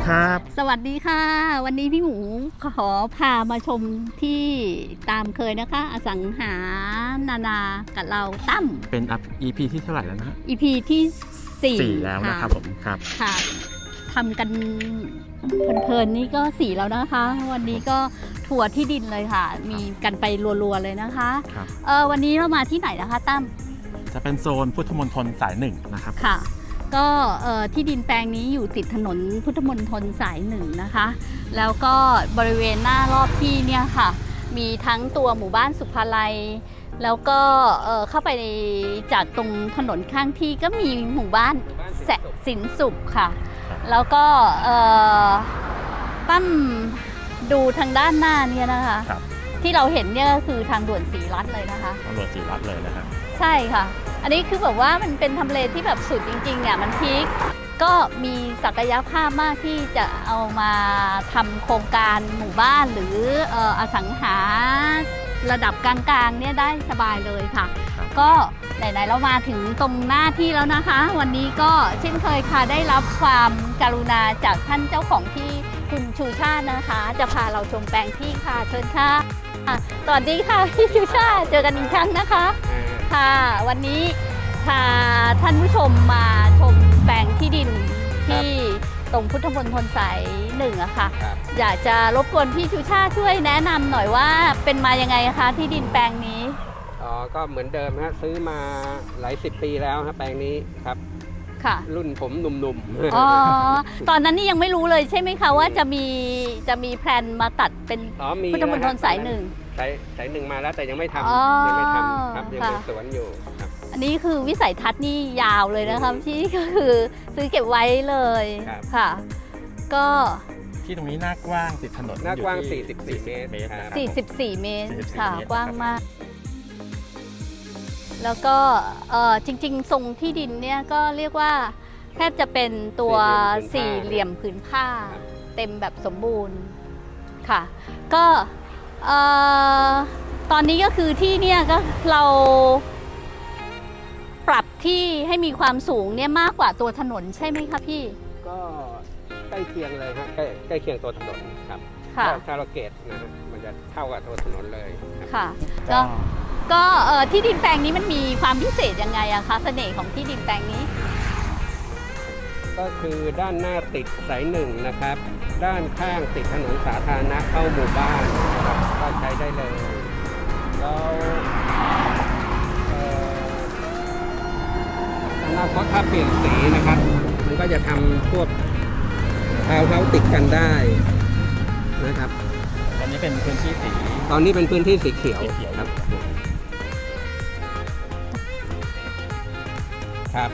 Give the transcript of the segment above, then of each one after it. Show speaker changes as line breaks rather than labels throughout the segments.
ครับ
สวัสดีค่ะวันนี้พี่หมูขอพามาชมที่ตามเคยนะคะอสังหานากับเราตั้ม
เป็น EP ที่เท่าไหร่แล้วนะ
EP ที่4
แล้วนะครับผมครับ
ค่ะทำกันเพลินๆนี่ก็4แล้วนะคะ วันนี้ก็ทัวร์ที่ดินเลยค่ะ มีกันไปรัวๆเลยนะคะ
ครับ
วันนี้เรามาที่ไหนนะคะตั้ม
จะเป็นโซนพุทธมณฑลสายหนึ่งนะครับ
ค่ะก็ที่ดินแปลงนี้อยู่ติดถนนพุทธมณฑลสายหนึ่งนะคะแล้วก็บริเวณหน้ารอบที่เนี่ยค่ะมีทั้งตัวหมู่บ้านสุภาลัยแล้วก็เข้าไปจากตรงถนนข้างที่ก็มีหมู่บ้านสินสุขค่ะแล้วก็ตั้มดูทางด้านหน้าเนี่ยนะคะที่เราเห็นเนี่ยก็คือทางด่วนศรีรัตน์เลยนะคะ
ทางด่วนศรีรัตน์เลยนะครับ
ใช่ค่ะอันนี้คือแบบว่ามันเป็นทำเลที่แบบสุดจริงๆเนี่ยมันพีคก็มีศักยภาพมากที่จะเอามาทำโครงการหมู่บ้านหรืออสังหาระดับกลางๆเนี่ยได้สบายเลยค่ะก็ไหนๆเรามาถึงตรงหน้าที่แล้วนะคะวันนี้ก็เช่นเคยค่ะได้รับความกรุณาจากท่านเจ้าของที่คุณชูชาตินะคะจะพาเราชมแปลงที่ค่ะเชิญค่ะสวัสดีค่ะพี่ชูชาติเจอกันอีกครั้งนะคะค่ะวันนี้พาท่านผู้ชมมาชมแปลงที่ดินที่ตรงพุทธมณฑลสายหนึ่งอะค่ะอยากจะรบกวนพี่ชูชาติช่วยแนะนำหน่อยว่าเป็นมายังไงคะที่ดินแปลงนี้
ก็เหมือนเดิมฮะซื้อมาหลาย10 ปีแล้วครับแปลงนี้ครับ
ค่ะ
รุ่นผมหนุ่ม
ๆตอนนั้นนี่ยังไม่รู้เลยใช่ไหมคะว่าจะมีแพลนมาตัดเป็นพุทธมณฑลสายหนึ่ง
สายหนึ่งมาแล้วแต่ยังไม่ทำยังไม่ทำครับยังเป็นสวนอยู่ครับ
อันนี้คือวิสัยทัศน์นี่ยาวเลยนะคะที่ก็คือซื้อเก็บไว้เลยค่ะก็
ที่ตรงนี้หน้ากว้างติดถนน
หน้ากว้าง44 เมตร
44 เมตรค่ะกว้างมากแล้วก็จริงๆทรงที่ดินเนี่ยก็เรียกว่าแทบจะเป็นตัวสี่เหลี่ยมผืนผ้าเต็มแบบสมบูรณ์ค่ะก็ตอนนี้ก็คือที่เนี่ยก็เราปรับที่ให้มีความสูงเนี่ยมากกว่าตัวถนนใช่ไหมคะพี่
ก็ใกล้เคียงเลยครับใกล้เคียงตัวถนนครับถ้าเราเกตนะฮะมันจะเท่ากับตัวถนนเลย
ค่ะก็ที่ดินแปลงนี้มันมีความพิเศษยังไงอะคะเสน่ห์ของที่ดินแปลงนี้
ก็คือด้านหน้าติดสายหนึ่งนะครับด้านข้างติดถนนสาธารณะเข้าหมู่บ้านนะครับก็ใช้ได้เลยแล้วอนาคตถ้าเปลี่ยนสีนะครับมันก็จะทำพวกทาวน์เฮ้าส์ติดกันได้นะครับ
ตอนนี้เป็นพื้นที่สี
เขียวครับครับ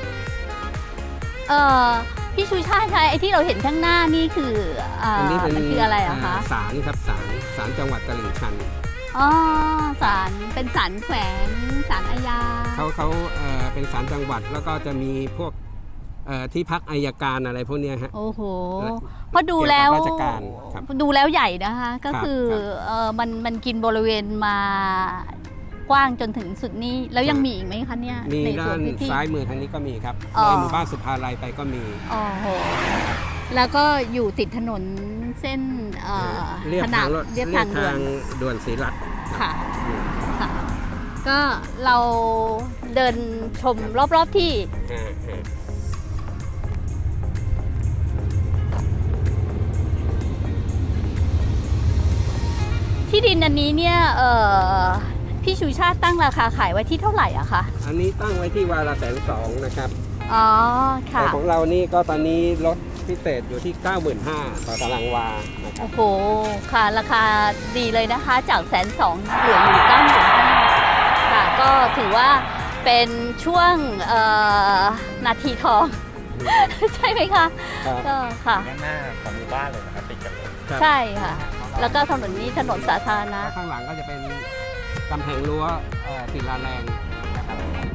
พี่ชูชาติคะไอ้ที่เราเห็นข้างหน้านี่คือมันคืออะไรอะคะ
ศาลครับศาลจังหวัดตลิ่งชัน
ศาลเป็นศาลแขวงศาลอาญา
เขาเป็นศาลจังหวัดแล้วก็จะมีพวกที่พักอัยการอะไรพวกนี้ฮะ
โอ้โหเพราะดูแล้วใหญ่นะคะก็คือมันกินบริเวณมากว้างจนถึงสุดนี้แล้วยังมีอีกไหมคะเนี่ย
มีด้านซ้ายมือทางนี้ก็มีครับในหมู่บ้านสุภาลัยไปก็มี
โอ้โหแล้วก็อยู่ติดถนนเส้น
เรียบทางด่วนศรีรัตน์
ค่ะก็เราเดินชมรอบๆที่ที่ดินอันนี้เนี่ยพี่ชูชาติตั้งราคาขายไว้ที่เท่าไหร่อะคะ
อันนี้ตั้งไว้ที่วาระ120,000นะครับ
ค่ะ
แต่ของเรานี่ก็ตอนนี้ลดพิเศษอยู่ที่ 95,000 ต่อตารางวานะครับ
โอ้โหค่ะราคาดีเลยนะคะจาก120,000เหลืออยู่95,000ค่ะก็ถือว่าเป็นช่วงนาทีทองใช่ไหมคะก็ค่ะ
หน้าของหมู่บ้านเลยนะครับติดกันเลย
ใช่ค่ะแล้วก็ถนนนี้ถนนสาธารณะ
ข้างหลังก็จะเป็นกำแพงรั้วศิลาแรงนะครับ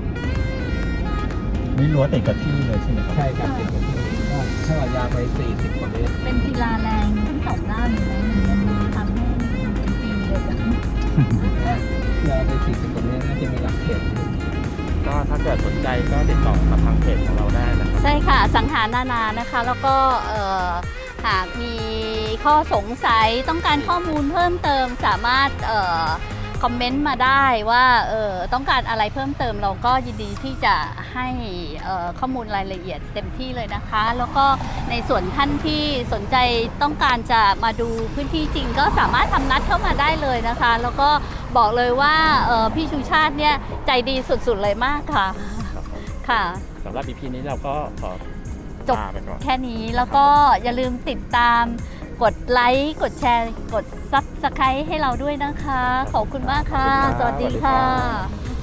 นี่รั้วติดกับที่เลยใช่ไหม
ใช่ครับติดกับที่ก็เท่ากับยาวไป40 กว่าเมตร
เป็นศิลาแรงทั้งสองด้านเลยมันทำให้เป็นปีเดียวกัน
ยาวไป40 กว่าเมตรน่าจะมีหลักเขต
ก็ถ้าเกิดสนใจก็ติดต่อกับทางเพจของเราได้นะครับ
ใช่ค่ะสังหานานะคะแล้วก็หากมีข้อสงสัยต้องการข้อมูลเพิ่มเติมสามารถคอมเมนต์มาได้ว่าต้องการอะไรเพิ่มเติมเราก็ยินดีที่จะให้ข้อมูลรายละเอียดเต็มที่เลยนะคะ แล้วก็ในส่วนท่านที่สนใจต้องการจะมาดูพื้นที่จริงก็สามารถทำนัดเข้ามาได้เลยนะคะ แล้วก็บอกเลยว่าพี่ชูชาติเนี่ยใจดีสุดๆเลยมากค่ะ
ครับผม
ค่ะ
สำหรับ EP นี้เราก็ขอ
จบ
ลาไปก่อน
แค่นี้แล้วก็อย่าลืมติดตามกดไลค์กดแชร์กด Subscribe ให้เราด้วยนะคะ ขอบคุณมากค่ะ
ขอบคุณครับ
สวัสดี
สวัสดี
ค่
ครั
ะ